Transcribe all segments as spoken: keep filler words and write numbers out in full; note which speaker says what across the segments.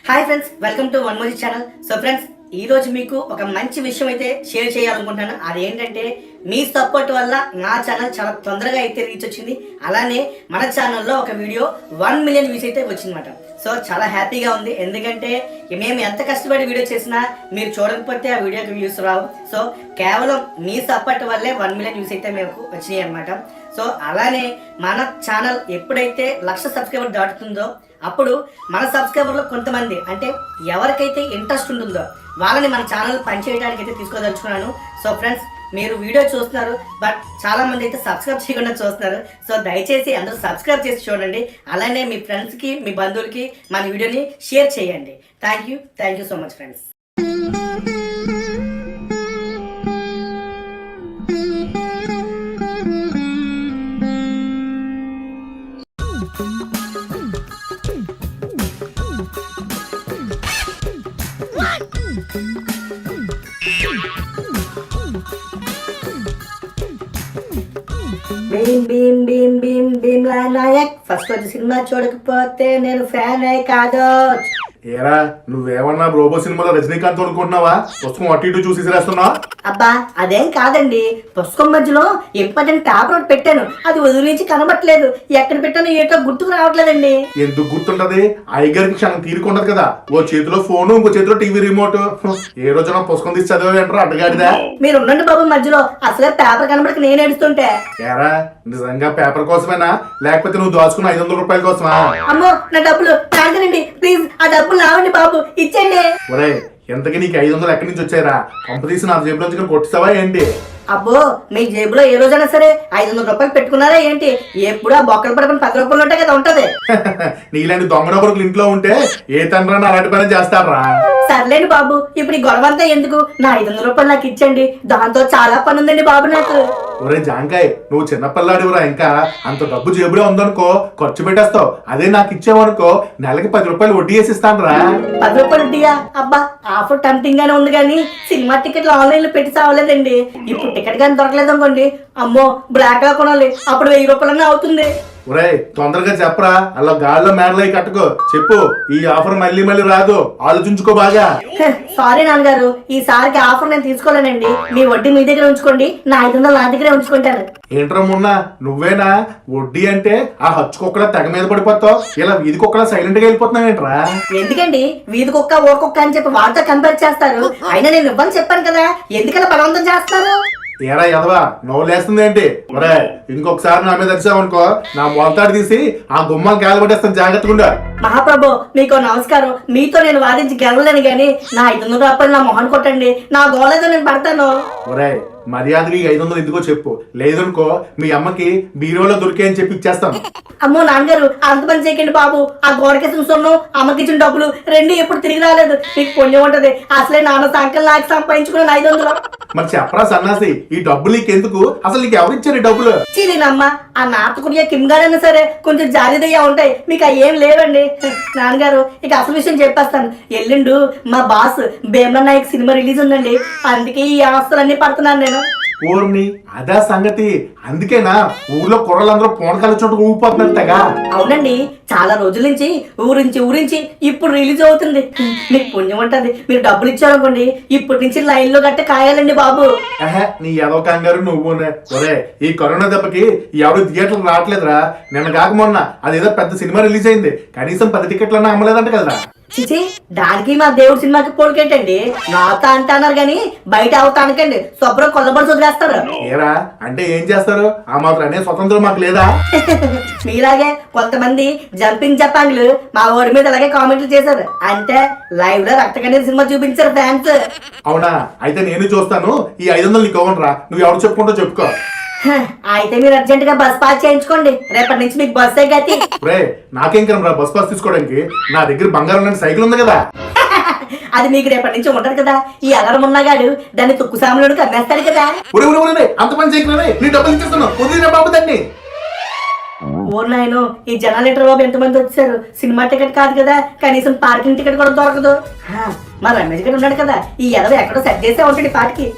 Speaker 1: Hi friends, welcome to one Mozi channel. So friends, ఈ రోజు మీకు ఒక మంచి విషయం అయితే షేర్ చేయాలనుకుంటున్నాను. అదేంటంటే మీ సపోర్ట్ వల్ల నా ఛానల్ చాలా తొందరగా అయితే రీచ్ వచ్చింది. అలానే మన ఛానల్లో ఒక వీడియో వన్ మిలియన్ వ్యూస్ అయితే వచ్చిందన్నమాట. సో చాలా హ్యాపీగా ఉంది. ఎందుకంటే మేము ఎంత కష్టపడి వీడియో చేసినా మీరు చూడకపోతే ఆ వీడియోకి వ్యూస్ రావు. సో కేవలం మీ సపోర్ట్ వల్లే వన్ మిలియన్ వ్యూస్ అయితే మేము వచ్చినాయి అనమాట. సో అలానే మన ఛానల్ ఎప్పుడైతే లక్ష సబ్స్క్రైబర్ దాటుతుందో అప్పుడు మన సబ్స్క్రైబర్లో కొంతమంది అంటే ఎవరికైతే ఇంట్రెస్ట్ ఉంటుందో వాళ్ళని మన ఛానల్ పనిచేయడానికి అయితే తీసుకోదలుచుకున్నాను. సో ఫ్రెండ్స్, మీరు వీడియో చూస్తున్నారు, బట్ చాలా మంది అయితే సబ్స్క్రైబ్ చేయకుండా చూస్తున్నారు. సో దయచేసి అందరూ సబ్స్క్రైబ్ చేసి చూడండి. అలానే మీ ఫ్రెండ్స్కి, మీ బంధువులకి మన వీడియోని షేర్ చేయండి. Thank you thank you so much friends. Bheem Bheem Bheem Bheem Bheemla Nayak first వచ్చి సినిమా చూడకపోతే నేను ఫ్యాన్ అయి కాదు.
Speaker 2: ఏరా నువ్వేమన్నా రోబో సినిమాలో రజనీకాంత్ అనుకుంటున్నావా? పుస్తకం అటు ఇటు చూసి రాస్తున్నావా?
Speaker 1: అబ్బా అదేం కాదండి, పుస్తకం మధ్యలో ఇంపార్టెంట్ పేపర్ ఒకటి పెట్టాను, అది వదిలించి కనబట్టలేదు. ఎక్కడ పెట్టానో ఏటో గుర్తుకు రావట్లేదండి.
Speaker 2: ఎందుకు గుర్తుంటది? ఐగర్కి క్షణం తీరుకుంటది కదా. ఓ చేతిలో ఫోను, ఇంకో చేతిలో టీవీ రిమోట్. ఏ రోజున పుస్తకం తీసి చదివేంటారు అడ్డగాడిదా?
Speaker 1: మీరు ఉండండి బాబు మధ్యలో, అసలే పేపర్ కనబడక నేను ఏడుస్తుంటే.
Speaker 2: ఏరా నిజంగా పేపర్ కోసమేనా, లేకపోతే నువ్వు దాచుకున్న ఐదు వందల రూపాయల కోసమా?
Speaker 1: అమ్మో నా డబ్బులు తాగనండి ప్లీజ్, ఆ డబ్బులు రావండి బాబు, ఇచ్చేయండి.
Speaker 2: ఒరే ఎంతకి నీకు ఐదు వందలు ఎక్కడి నుంచి వచ్చాయరా? పంప తీసి నా జేబులోంచి కొట్టిస్తావా ఏంటి?
Speaker 1: అబ్బో మీ జేబులో ఏ రోజైనా సరే ఐదు వందల రూపాయలు పెట్టుకున్నారా ఏంటి? ఎప్పుడు ఆ బొక్కలు పడుకుని పది రూపాయలు ఉంటాయి కదా ఉంటది.
Speaker 2: నీలాంటి దొంగ డబ్బులు ఇంట్లో ఉంటే ఏ తండ్రి అలాంటి పని చేస్తారా?
Speaker 1: సర్లేండి బాబు, ఇప్పుడు ఈ గొడవ అంతా ఎందుకు? నా ఐదు వందల రూపాయలు నాకు ఇచ్చండి, దాంతో చాలా పని ఉందండి బాబు నాకు.
Speaker 2: ఒరే జాంకాయ్, నువ్వు చిన్నపిల్లాడివరా, ఇంకా అంత డబ్బు జేబులో ఉందనుకో ఖర్చు పెట్టేస్తావు. అదే నాకు ఇచ్చావనుకో నెలకి పది రూపాయలు వడ్డీ వేసి ఇస్తాను రా.
Speaker 1: పది రూపాయలు వడ్డీయా? అబ్బా ఆఫర్ టెంప్టింగ్ గానే ఉంది కానీ సినిమా టికెట్లు ఆన్లైన్ లో పెట్టి చావలేదండి. ఇప్పుడు టికెట్ కానీ దొరకలేదు అనుకోండి, అమ్మో బ్లాక్ గా కొనాలి, అప్పుడు వెయ్యి రూపాయలన్నా అవుతుంది.
Speaker 2: ఒరే తొందరగా చెప్పరా, అలా గాల్లో మేడలై కట్టుకో. చెప్పు, ఈ ఆఫర్ మళ్ళీ మళ్ళీ రాదు, ఆలోచించుకో బాగా.
Speaker 1: సారీ నాన్నగారు, ఈసారికి ఆఫర్ నేను తీసుకోలేనండి. మీ వడ్డీ మీ దగ్గర ఉంచుకోండి, నా ఐదు వందలు నా దగ్గరే ఉంచుకుంటాను.
Speaker 2: ఏంట్రా మొన్న నువ్వేనా వడ్డీ అంటే ఆ హచ్చు కుక్కలా తెగ మీద పడిపోతావు, ఇలా వీధి కుక్కలా సైలెంట్ గా వెళ్ళిపోతున్నావు ఏంట్రా?
Speaker 1: ఎందుకండి వీధి కుక్క ఊర కుక్క అని చెప్పి వాటితో కంపేర్ చేస్తారు? అయినా నేను ఇవ్వని చెప్పాను కదా, ఎందుకలా బలవంతం చేస్తారు?
Speaker 2: ఏరా ఎదవా నవ్వులేస్తుంది ఏంటి? ఒరే ఇంకొకసారి నా మీద వచ్చావనుకో నా మొలతాడు తీసి ఆ గుమ్మాలు గాలి పట్టేస్తాను, జాగ్రత్తగా ఉండు.
Speaker 1: మహాప్రభు మీకు నమస్కారం, మీతో నేను వాదించి గెలవలేను గానీ నా ఐదు వందల రూపాయలు నా మొహన్ కొట్టండి, నా గోలేదో నేను పడతాను.
Speaker 2: ఒరే మర్యాదకి ఐదు వందలు ఎందుకో చెప్పు, లేదనుకో మీ అమ్మకి బీరోలో దొరికే అని చెప్పి ఇచ్చేస్తాను.
Speaker 1: అమ్మో నాన్నగారు అంత పని చేయకండి బాబు, ఆ గోడకేసిన సొన్ను అమ్మకి ఇచ్చిన డబ్బులు రెండు ఎప్పుడు తిరిగి రాలేదు. మీకు పుణ్యం ఉంటది, అసలే నాన్న సంకల్ నాకు సంపాదించుకున్నాను ఐదు వందలు.
Speaker 2: మరి చెప్పరా సన్నాసి, ఈ డబ్బులు నీకెందుకు? అసలు నీకు ఎవరిచ్చారు ఈ డబ్బులు?
Speaker 1: చీనమ్మ ఆ నాటకుడియా కిమ్ గారైనా సరే కొంచెం జాలిదయ్యా ఉంటాయి, మీకు అవి ఏం లేవండి. నాన్నగారు ఇక అసలు విషయం చెప్పేస్తాను. ఎల్లుండు మా boss Bheemla Nayak cinema release ఉందండి, అందుకే ఈ ఆస్తులన్నీ పడుతున్నాను నేను.
Speaker 2: ఊరిని అదా సంగతి, అందుకేనా ఊర్లో కుర్రలందరూ పోనకాల చోటు ఊపిపోతున్నట్టుగా?
Speaker 1: అవునండి, చాలా రోజుల నుంచి ఊరించి ఊరించి ఇప్పుడు రిలీజ్ అవుతుంది. మీకు పుణ్యం ఉంటది, మీరు డబ్బులు ఇచ్చారనుకోండి ఇప్పటి నుంచి లైన్ లో గట్ట కాయాలండి బాబు.
Speaker 2: నీ ఏదో కంగారు నువ్వు. ఒరే ఈ కరోనా దెబ్బకి ఎవరు థియేటర్లు రావట్లేదురా. నిన్న కాక మొన్న అదేదో పెద్ద సినిమా రిలీజ్ అయింది, కనీసం పది టికెట్లన్నా అమ్మలేదంట కదరా.
Speaker 1: చిచి దానికి మా దేవుడి సినిమాకి పోలికేటండి, నాతో అంటున్నారు గాని బయట అవుతానికండి శుభ్రం కొల్లబడి వదిలేస్తారు.
Speaker 2: ఏరా అంటే ఏం చేస్తారు? ఆ మాత్రం అనే స్వతంత్రం మాకు లేదా?
Speaker 1: మీలాగే కొంతమంది జంపింగ్ జపాంగ్లు మా ఊరి మీద అలాగే కామెంట్లు చేశారు, అంటే లైవ్ లో రక్తకన్నీరు సినిమా చూపించారు ఫ్యాన్స్.
Speaker 2: అవునా? అయితే నేను చూస్తాను, ఈ ఐదు వందలు నీకు ఇవ్వనురా, నువ్వు ఎవరు చెప్పుకుంటో చెప్పుకో.
Speaker 1: అయితే మీరు అర్జెంట్ గా బస్ పాస్ చేయించుకోండి, రేపటి నుంచి మీకు బస్ గతి.
Speaker 2: రే నాకేం కనరా బస్ పాస్ తీసుకోవడానికి, నా దగ్గర బంగారం లాంటి సైకిల్ ఉంది కదా.
Speaker 1: అది మీకు రేపటి నుంచి ఉంటది కదా, ఈ అలరం ఉన్నగాడు దాన్ని తుక్కు సాములుడికి అమ్మేస్తాడు కదా.
Speaker 2: అంత పని చేయగలరే, నీ డబ్బులు ఇచ్చేస్తున్నావు, వదిలిన బాబు దాన్ని.
Speaker 1: ఓ నాయనో, ఈ జనాలేటర్ బాబు ఎంతమంది వచ్చారు, సినిమా టికెట్ కాదు కదా, కనీసం పార్కింగ్ టికెట్ కూడా దొరకదు. మా రమేష్ గారు ఉన్నాడు కదా, ఈ ఎదవ ఎక్కడో సెట్ చేసే ఉంటాడు పాటికి.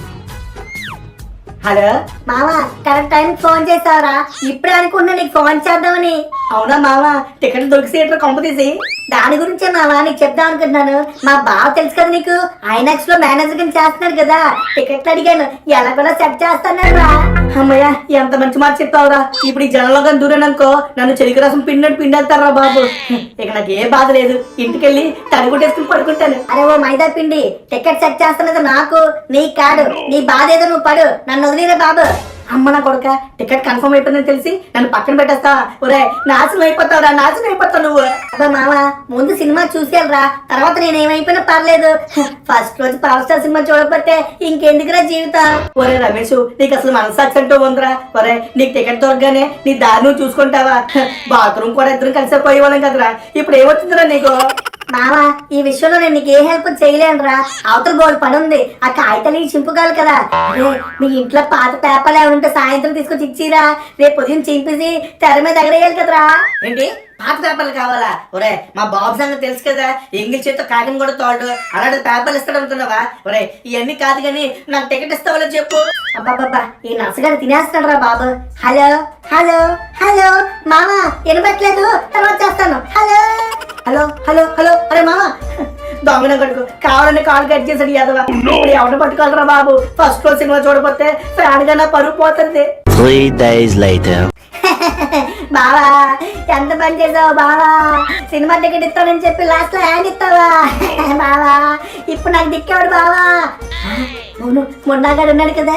Speaker 1: హలో మావా, కరెక్ట్ టైం ఫోన్ చేసావరా? ఇప్పుడే అనుకున్నా నీకు ఫోన్ చేద్దామని. అవునా మావా, టికెట్ దొరికి థియేటర్ కొంప తీసి
Speaker 3: దాని గురించే మావా నీకు చెప్దాం అనుకుంటున్నాను. మా బావ తెలుసు కదా నీకు, ఐనాక్స్ లో మేనేజర్ కింద చేస్తున్నాడు కదా, టికెట్లు అడిగాను ఎలా కూడా సెట్ చేస్తాను రా.
Speaker 1: అమ్మయ్య ఎంత మంచి మాట చెప్పావురా. ఇప్పుడు ఈ జనంలో కానీ దూరాననుకో నన్ను చెలికి రసం పిండి పిండేస్తారా బాబు. ఇక నాకు ఏ బాధ లేదు, ఇంటికెళ్ళి తడిగుట్టేసుకుని పడుకుంటాను.
Speaker 3: అరే ఓ మైదా పిండి, టికెట్ సెట్ చేస్తున్నది నాకు నీకు కాదు. నీ బాధ ఏదో నువ్వు పడు, నన్ను వదిలేరే బాబు.
Speaker 1: అమ్మ నా కొడుక టికెట్ కన్ఫర్మ్ అయిపోయిందని తెలిసి నన్ను పక్కన పెట్టేస్తా. ఒరే నాశనం అయిపోతావురా, నాశనం అయిపోతావు నువ్వు.
Speaker 3: అబ్బా మామ, ముందు సినిమా చూసేయాలరా, తర్వాత నేను ఏమైపోయినా పర్లేదు. ఫస్ట్ రోజు పవర్ స్టార్ సినిమా చూడకపోతే ఇంకెందుకురా జీవితం.
Speaker 1: ఒరే రమేష్ నీకు అసలు మనసాక్షి అంటూ ఉందిరా. ఒరే నీకు టికెట్ దొరకగానే నీ దారి నువ్వు చూసుకుంటావా? బాత్రూమ్ కూడా ఇద్దరు కలిసి పోయేవాళ్ళం కదరా, ఇప్పుడు ఏమొచ్చిందిరా నీకు?
Speaker 3: మామ ఈ విషయంలో నేను నీకు ఏ హెల్ప్ చేయలేనురా, అవతల బోర్డు పని ఉంది, ఆ కాగితాలు చింపుకోవాలి కదా. అరే మీ ఇంట్లో పాత పేపర్లు ఏమైనా సాయంత్రం తీసుకొచ్చి ఇచ్చిరా, రేపు ఉదయం చింపేసి తెర మీద ఎగరేయాలి కదరా.
Speaker 1: ఏంటి పాత పేపర్లు కావాలా? ఒరే మా బాబు సంగతి తెలుసు కదా, ఎంగిల్ చేతితో కాగితం కూడా తోడు, అలాంటి పేపర్లు ఇస్తాడు అనుకున్నావా? ఒరే ఇవన్నీ కాదు కానీ నాకు టికెట్ ఇస్తావా చెప్పు.
Speaker 3: అబ్బాబ్బా ఈ నర్సగారు తినేస్తాడు రా బాబు. హలో హలో హలో మామ వినపట్లేదు, తర్వాత చేస్తాను. హలో
Speaker 1: హలో హలో హలో అరే మామ దొంగన కొడుకు కావాలని కాల్ కట్ చేసాడు యాదవ. ఇప్పుడు ఎవరిని పట్టుకోవాలరా బాబు? ఫస్ట్ రోజు సినిమా చూడపోతే ఫ్యాన్ గా నా పరుగు పోతుంది.
Speaker 4: Three days later.
Speaker 3: బావా ఎంత పని చేసావు బావా, సినిమా టికెట్ ఇస్తానని చెప్పి లాస్ట్ లో హ్యాండ్ ఇస్తావా బావా? ఇప్పుడు నాకు దిక్కేవాడు బావా. అవును మొన్నగాడు ఉన్నాడు కదా.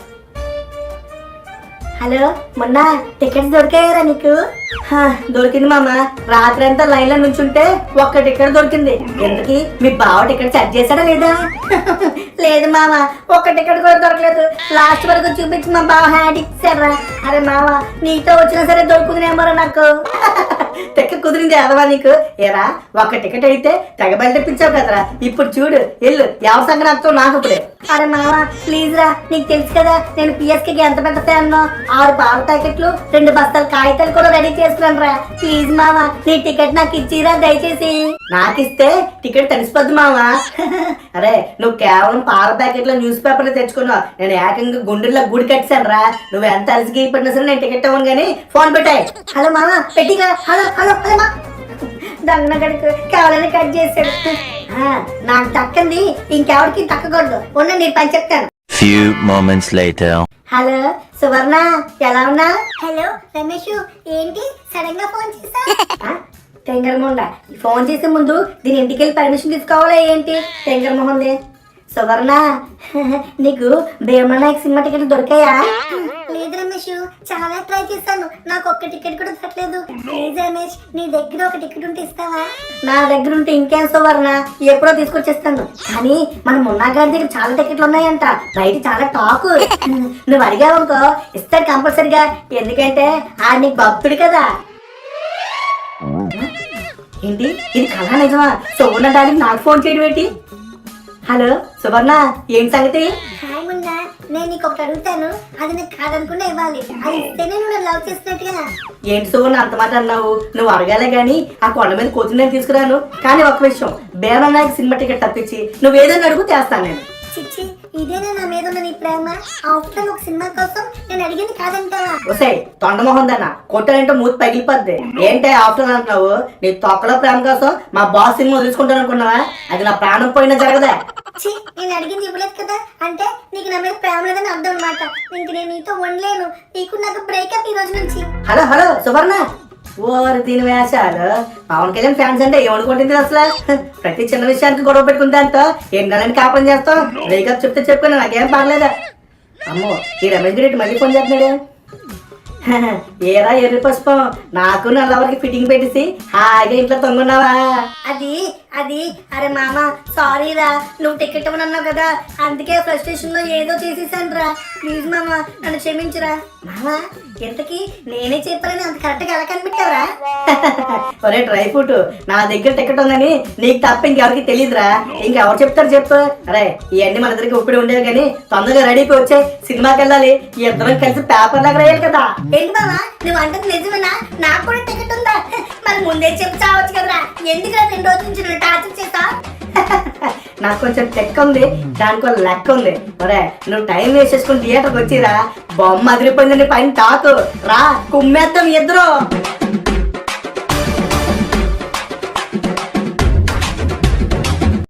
Speaker 3: హలో మొన్న టికెట్స్ దొరికాయారా నీకు?
Speaker 1: హా, దొరికింది మామ. రాత్రి అంతా లైన్ లో నుంచుంటే ఒక్క టికెట్ దొరికింది. ఎందుకు మీ బావ టికెట్ సెట్ చేశాడా లేదా?
Speaker 3: లేదు మామ, ఒక్క టికెట్ కూడా దొరకలేదు. లాస్ట్ వరకు చూపించి మా బావ హ్యాండ్ ఇచ్చారా. అరే మామ నీతో వచ్చినా సరే దొరుకుతుందేమో నాకు.
Speaker 1: టికెట్ కుదిరింది అదవా నీకు? ఏరా ఒక్క టికెట్ అయితే తెగ బయట తెప్పించావు కదరా. ఇప్పుడు చూడు ఎల్లు ఎవరి సంగతి అర్థం నాకు ఇప్పుడే.
Speaker 3: అరే మామ ప్లీజ్ రా, నీకు తెలుసు కదా నేను పిఎస్కేకి ఎంత పెద్ద ఫ్యాన్. ఆరు పాల ప్యాకెట్లు రెండు బస్తాలు కాగితాలు కూడా రెడీ చేసుకున్నాను రా. ప్లీజ్ మామ నీ టికెట్ నాకు ఇచ్చిరా దయచేసి.
Speaker 1: నాకిస్తే టికెట్ తెలిసిపోద్ది మామ. అరే నువ్వు కేవలం పాల ప్యాకెట్ లో న్యూస్ పేపర్లు తెచ్చుకున్నావు, నేను ఏకంగా గుండెల్లో గుడి కట్టాను రా. నువ్వు ఎంత అలసిగి పడినా సరే నేను టికెట్ ఇవ్వను కానీ ఫోన్ పెట్టాయి.
Speaker 3: హలో మామ పెట్టిగా. హలో హలో హలో మా దొంగ గడుకు కావాలని కట్ చేశాడు. నాకు దక్కంది ఇంకెవరికి దక్కకూడదు, ఉన్న నీ పని చెప్తాను.
Speaker 4: Few moments later.
Speaker 3: Hello Suvarna ఎలా ఉన్నా? హలో రమేష్ ఏంటి సడన్ గా ఫోన్ చేసా? టెంగర్ మొహండ ఫోన్ చేసే ముందు దీని ఇంటికి వెళ్ళి పర్మిషన్ తీసుకోవాలా ఏంటి? టెంగర్ మొహంది. సువర్ణ నీకు భీమనాయక్ సినిమా టికెట్ దొరికాయా? లేదు రమేష్ చాలా ట్రై చేశాను, నాకు ఒక్క టికెట్ కూడా దొరకలేదు. ప్లీజ్ రమేష్ నీ దగ్గర ఒక టికెట్ ఉంటే ఇస్తావా? నా దగ్గర ఉంటే ఇంకేం సువర్ణ, ఎప్పుడో తీసుకొచ్చేస్తాను. కానీ మన మున్నా గారి దగ్గర చాలా టికెట్లు ఉన్నాయంట, బయట చాలా టాక్. నువ్వు అడిగావు అనుకో ఇస్తాడు కంపల్సరిగా, ఎందుకంటే ఆ నీకు భక్తుడు కదా.
Speaker 1: ఏంటి ఇది కళా నిజమా? సువర్ణ డాడీ నాకు ఫోన్ చేయడం ఏంటి? హలో సువర్ణ ఏం సంగతి?
Speaker 3: హాయ్ మున్నా, నేను నీకు ఒకటి అడుగుతాను, అది నాకు కాదనుకున్నా ఇవ్వాలి, అది ఇస్తేనే నువ్వు లవ్ చేసినట్టుగా.
Speaker 1: ఏంటి సువర్ణ అంత మాట అన్నావు? నువ్వు అడగాలే గానీ ఆ కొండ మీద కోచింగ్ నేను తీసుకురాను. కానీ ఒక విషయం, భీమనాయక్ సినిమా టికెట్ తప్పించి నువ్వు ఏదైనా అడుగు చేస్తాను నేను.
Speaker 3: చిచ్చి ఇదేనా నా మీద ఉన్న నీ ప్రేమ? ఆఫ్టర్ ఒక సినిమా కోసం నేను అడిగింది కాదంటావా?
Speaker 1: ఒసే తొండమోహన్ దన్న కొట్టాలంటే మూతి పగిలిపోద్ది. ఏంటే ఆఫ్టర్ అంటున్నావు? నీ తొక్కలో ప్రేమ కోసం మా బాస్ సినిమా వదులుచుకుంటాను అనుకున్నావా? అది నా ప్రాణం పోయినా జరగదా?
Speaker 3: చి నేను అడిగింది ఇవ్వలేదు కదా, అంటే నీకు నా మీద ప్రేమ లేదని అర్థం అనమాట. ఇంక నేను నీతో ఉండలేను, నీకు నాకు బ్రేకప్ ఈ రోజు నుంచి.
Speaker 1: హలో హలో సువర్ణ ఓరి దీని వేషాలు. పవన్ కళ్యాణ్ ఫ్యాన్స్ అంటే ఏమనుకుంటుంది అసలు? ప్రతి చిన్న విషయానికి గొడవ పెట్టుకుంటే అంత ఎండాలని కాపం చేస్తాం. బ్రేకప్ చెప్తే చెప్పుకుని నాకేం పర్లేదా? అమ్మో ఈ రమేష్ రెడ్డి మళ్ళీ ఫోన్ చేస్తున్నాడు. ఏరా ఎర్రి పుష్పం, నాకు నా లవర్కి ఫిట్టింగ్ పెట్టేసి హాయిగా ఇంట్లో తొంగున్నావా?
Speaker 3: అది అది అరే మామ సారీ రా, నువ్వు టికెట్ ఇవ్వనన్నావు కదా, అందుకే ఫ్రస్ట్రేషన్ లో ఏదో చేసేసాను రా. ప్లీజ్ మామ నన్ను క్షమించురా. మామ ఇంతకీ నేనే చెప్పాలని అంత కరెక్ట్ గా ఎలా కనిపెట్టావురా?
Speaker 1: ఒరే డ్రై ఫ్రూట్, నా దగ్గర టికెట్ ఉందని నీకు తప్ప ఇంకెవరికి తెలియదురా. ఇంకెవరు చెప్తారు చెప్పు? అరే ఇవన్నీ మన దగ్గరికి ఇప్పుడు ఉండేవి కానీ తొందరగా రెడీకి వచ్చే సినిమాకి వెళ్ళాలి. ఇద్దరం కలిసి పేపర్ దగ్గర వేయాలి కదా.
Speaker 3: ఏంటి బావా నువ్వు అంటుంది నిజమేనా? నాకు కూడా టికెట్ ఉందా? మరి ముందే చెప్పి చావచ్చు కదరా, ఎందుకు రెండు రోజుల నుంచి నువ్వు టార్చర్ చేస్తా?
Speaker 1: నాకు కొంచెం టెక్ ఉంది, దానికి ఒక లెక్క ఉంది. ఒరే నువ్వు టైం వేస్ట్ చేసుకుని థియేటర్కి వచ్చిరా, బొమ్మ అదిరిపోయిందండి పైన టాకు రా, కుమ్మేద్దాం ఇద్దరు.